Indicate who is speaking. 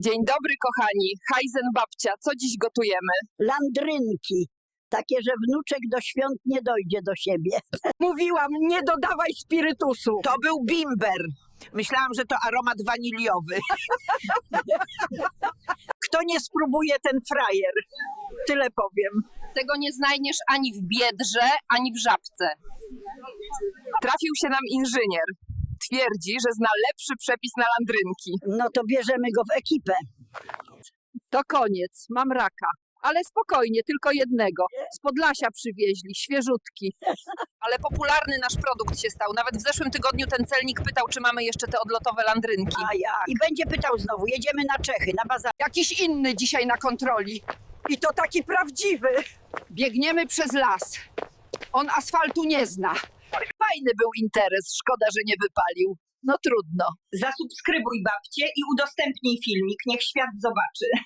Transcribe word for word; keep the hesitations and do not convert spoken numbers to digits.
Speaker 1: Dzień dobry, kochani. Hajzen babcia, co dziś gotujemy?
Speaker 2: Landrynki. Takie, że wnuczek do świąt nie dojdzie do siebie.
Speaker 3: Mówiłam, nie dodawaj spirytusu.
Speaker 4: To był bimber. Myślałam, że to aromat waniliowy.
Speaker 3: Kto nie spróbuje, ten frajer. Tyle powiem.
Speaker 1: Tego nie znajdziesz ani w Biedrze, ani w Żabce. Trafił się nam inżynier. Twierdzi, że zna lepszy przepis na landrynki.
Speaker 2: No to bierzemy go w ekipę.
Speaker 3: To koniec, mam raka. Ale spokojnie, tylko jednego. Z Podlasia przywieźli, świeżutki.
Speaker 1: Ale popularny nasz produkt się stał. Nawet w zeszłym tygodniu ten celnik pytał, czy mamy jeszcze te odlotowe landrynki.
Speaker 2: A jak? I będzie pytał znowu, jedziemy na Czechy, na bazar.
Speaker 3: Jakiś inny dzisiaj na kontroli. I to taki prawdziwy. Biegniemy przez las. On asfaltu nie zna.
Speaker 1: Fajny był interes, szkoda, że nie wypalił. No trudno.
Speaker 5: Zasubskrybuj babcię i udostępnij filmik, niech świat zobaczy.